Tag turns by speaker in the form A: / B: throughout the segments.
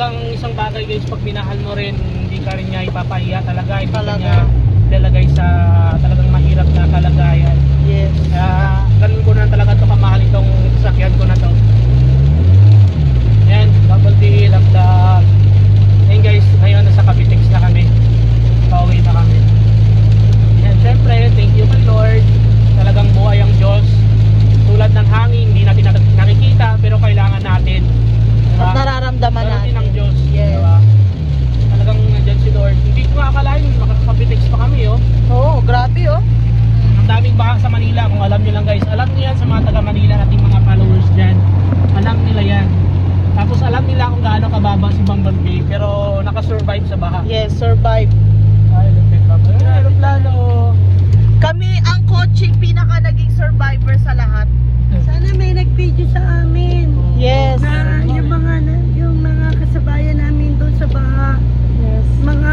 A: talagang isang bagay guys, pag minahal mo rin, hindi ka rin niya ipapahiya talaga. Hindi ka
B: Talaga.
A: niya ilalagay sa talagang mahirap na kalagayan.
B: Yes.
A: Kaya ganun ko na talaga ito kamahal itong sasakyan ko na to. Yan, bubble tea, lagdag. Yan guys, ngayon nasa Cavitex na kami. Pauwi na kami. Yan, syempre, thank you my Lord. Talagang buhay ang Diyos. Tulad ng hangin, hindi natin nakikita, pero kailangan natin.
B: At nararamdaman
A: Meron din
B: natin.
A: ang Diyos.
B: Yes.
A: Diba? Talagang nandyan si Lord. Hindi ko akalain, makakapitex pa kami, oh.
B: Oo, grabe oh.
A: Ang daming baha sa Manila, kung alam nyo lang guys. Alam nyo yan sa mga taga Manila, nating mga followers dyan. Alam nila yan. Tapos alam nila kung gaano kababa si Bumblebee, pero nakasurvive sa baha.
B: Yes, survive.
A: Ay, aeroplano.
B: Kami ang coaching pinaka naging survivor sa lahat.
C: Sana may nag-video sa amin.
B: Yes.
C: Na yung mga kasabayan namin doon sa baha.
B: Yes.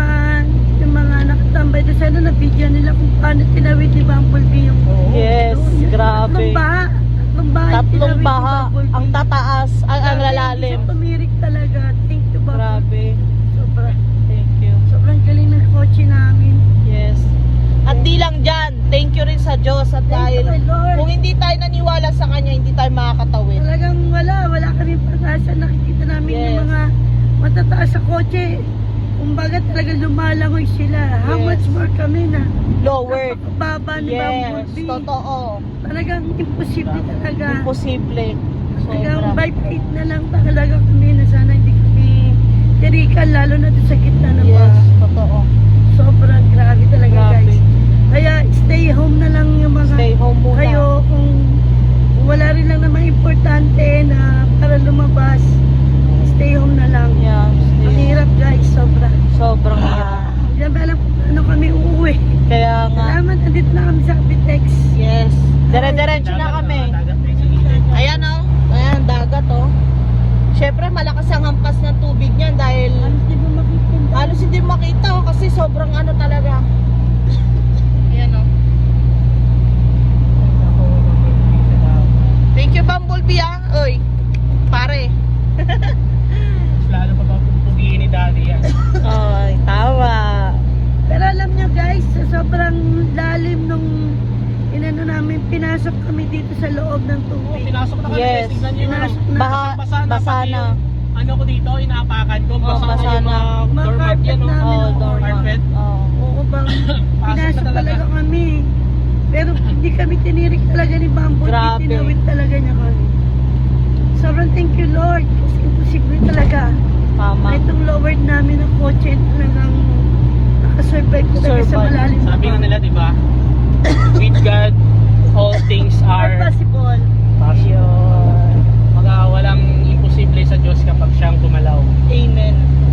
C: Yung mga nakatambay doon, sana na-video nila kung paano tinawid ni Bumblebee yung
B: Yes,
C: doon.
B: grabe.
C: Tatlong baha.
B: Tatlong baha. Ang tataas, ang lalalim.
C: So, tumirik talaga. Thank you, Bumblebee.
B: Grabe. Thank you.
C: Sobrang galing ng kotse namin.
B: Yes. At di lang dyan, thank you rin sa Diyos at
C: Thank you,
B: dahil
C: my Lord.
B: kung hindi tayo naniwala sa Kanya, hindi tayo makakatawid.
C: Talagang wala kami pag-asa. Nakikita namin
B: Yes.
C: yung mga matataas sa kotse. Kumbaga talagang lumalangoy sila. How
B: Yes.
C: much more kami na
B: Lowered.
C: napakababa ni
B: Yes,
C: Bumblebee.
B: totoo.
C: Talagang imposible talaga.
B: Imposible.
C: Talagang
B: Sobra.
C: by faith na lang talaga kami na sana hindi kami tirikan, lalo na doon sa gitna ng
B: Yes,
C: baha.
B: totoo.
C: Sobrang grabe talaga
B: Grabe.
C: guys. Kaya stay home na lang yung mga
B: Stay home muna.
C: kayo kung wala rin lang naman importante na para lumabas. Stay home na lang.
B: Yeah,
C: Ang
B: stay.
C: hirap guys, sobra.
B: Sobrang hirap.
C: Hindi naman alam kung ano kami uuwi.
B: Kaya nga.
C: Salamat, andito na kami sa Cavitex.
B: Yes. Dire-diretso na kami. Ayan oh. Ayan, dagat oh. Siyempre, malakas ang hampas ng tubig niyan dahil
C: Halos di ba makikita?
B: halos hindi makita oh, kasi sobrang ano talaga. Ayan oh. Thank you, Bumblebee ah. Oy, pare.
A: Lalo pa pupugiin ni Daddy yan.
B: Ay, tawa.
C: Pero alam nyo guys, sa sobrang lalim nung inano namin, pinasok kami dito sa loob ng
A: Oo,
C: tubig.
A: pinasok na kami.
B: Yes.
A: Tignan nyo yung
C: Pinasok na.
A: basa na.
B: Basa
A: pati
B: na.
A: yung ano ko dito, inaapakan ko. Basa
B: basa
A: na yung
B: na.
A: mga doormat yan.
C: Mga
A: Oh.
C: carpet namin,
B: Oh,
A: Carpet.
B: Oh.
C: Oo bang,
A: Pasok
C: pinasok
A: na talaga.
C: talaga kami. Pero hindi kami tinirik talaga ni Bumblebee,
B: Grabe.
C: tinawid talaga niya kami. Sobrang thank you Lord, kasi imposible talaga.
B: Tama.
C: Itong lowered namin ng kotse, talagang nakasurvive talaga sa
B: Survive.
C: malalim na
A: Sabi nga
C: baha.
A: nila, di ba? With God, all things
C: Are
A: are
C: possible.
A: possible.
B: Ayun.
A: Walang imposible sa Diyos kapag siyang gumalaw.
B: Amen.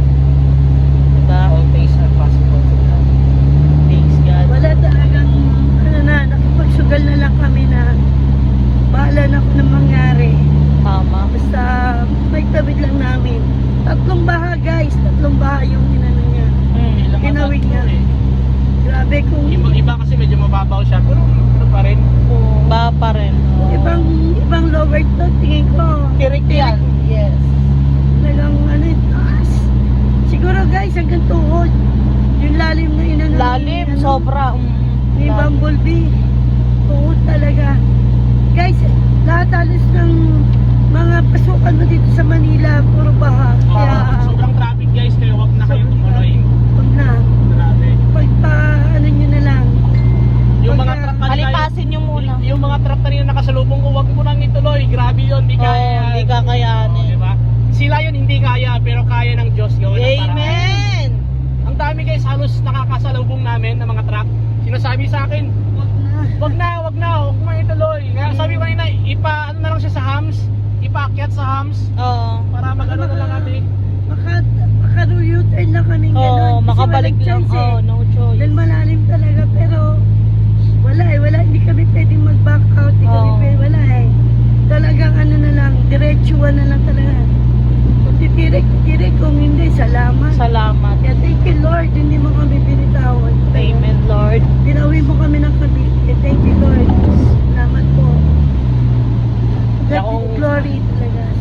B: Diba?
A: All things are possible to God.
B: Thanks God.
C: Wala talagang, nakipagsugal na lang kami na bahala na kung anong mangyari.
B: Tama.
C: Basta may tawid lang namin. Tatlong baha guys, tatlong baha yung inano niya.
A: Ilang
C: Tinawid
A: abad
C: niya.
A: po eh.
C: Grabe kung
A: Iba kasi medyo mababaw siya, pero ano pa rin.
B: Ba pa rin.
C: ibang lowered to, tingin ko.
B: Tirik yan. Yes.
C: Talagang taas. Siguro guys, hanggang tuhod. Yung lalim na inano.
B: Lalim,
C: ni,
B: sobra.
C: Ni
B: Lalim.
C: Bumblebee. Tuhod talaga. Guys, lahat halos ng mga pasukan mo dito sa Manila, puro baha. Kaya,
A: Sobrang traffic guys, kaya wag na kayo tumuloy.
C: huwag na.
A: Grabe.
C: Pagpa, nyo na lang.
A: Yung mga
C: Pagka-
A: truck kanina,
B: Alipasin nyo muna.
A: yung mga truck kanina nakasalubong ko, wag mo nang ituloy. Grabe yun, hindi
B: Oo,
A: kaya.
B: hindi kakayanin.
A: Diba? Sila yun hindi kaya, pero kaya ng Diyos yun.
B: Amen.
A: Ang dami guys, halos nakakasalubong namin ng mga truck. Sinasabi sa akin,
C: Huwag na.
A: wag na mo ituloy. Kaya sabi ko kanina, ano na lang siya sa hams, ipaakyat sa hams,
B: Oo.
A: para mag-ano na lang natin.
C: Maka-U-turn na kami
B: Oo,
C: gano'n. Kasi
B: makabalik
C: walang
B: lang.
C: choice
B: Oo, no choice.
C: Dahil malalim talaga, pero wala, hindi kami pwedeng mag-back out, hindi kami
B: Oo.
C: pwedeng, wala eh. Talagang ano na lang, diretsuan na lang talaga. Kung titirik, kung hindi, salamat.
B: Salamat.
C: Kaya thank you Lord, hindi mo kami binitawan.
B: Amen, Lord.
C: Dinawi mo kami ng Cavite. Thank you Lord. Salamat po.
A: Kaya
C: God
A: kung-
C: glory talaga. So,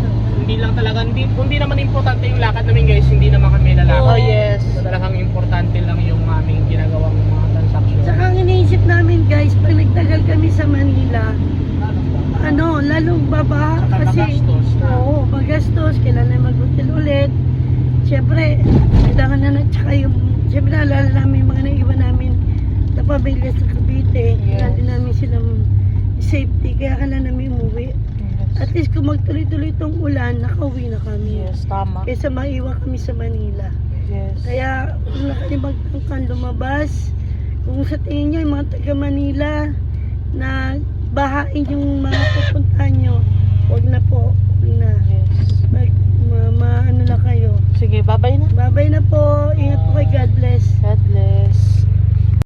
A: hindi lang talaga, hindi naman importante yung lakad namin guys, hindi naman kami lalakad.
B: Oh, yes.
A: So, talagang importante lang yung aming ginagawang mga transaction.
C: Tsaka ang iniisip namin guys, pag nagtagal kami sa Manila, lalong baba
A: Saka
C: kasi
A: magastos na.
C: oo, magastos, kailangan mag-hotel ulit. Siyempre, kailangan na tsaka yung, siyempre naalala namin yung mga naiwan namin na pamilya sa Cavite. Kailangan din namin silang safety, kaya kailangan namin umuwi. At least kung magtuloy-tuloy itong ulan, nakauwi na kami.
B: Yes, tama.
C: Kaysa maiwan kami sa Manila.
B: Yes.
C: Kaya kung nakalimagtang lumabas, kung sa tingin nyo yung mga taga Manila na bahain yung mga pupuntahan nyo, huwag na po, huwag na.
B: Yes.
C: Ano lang kayo.
B: Sige, bye-bye na.
C: Babay na po, ingat po kay God bless.
B: God bless.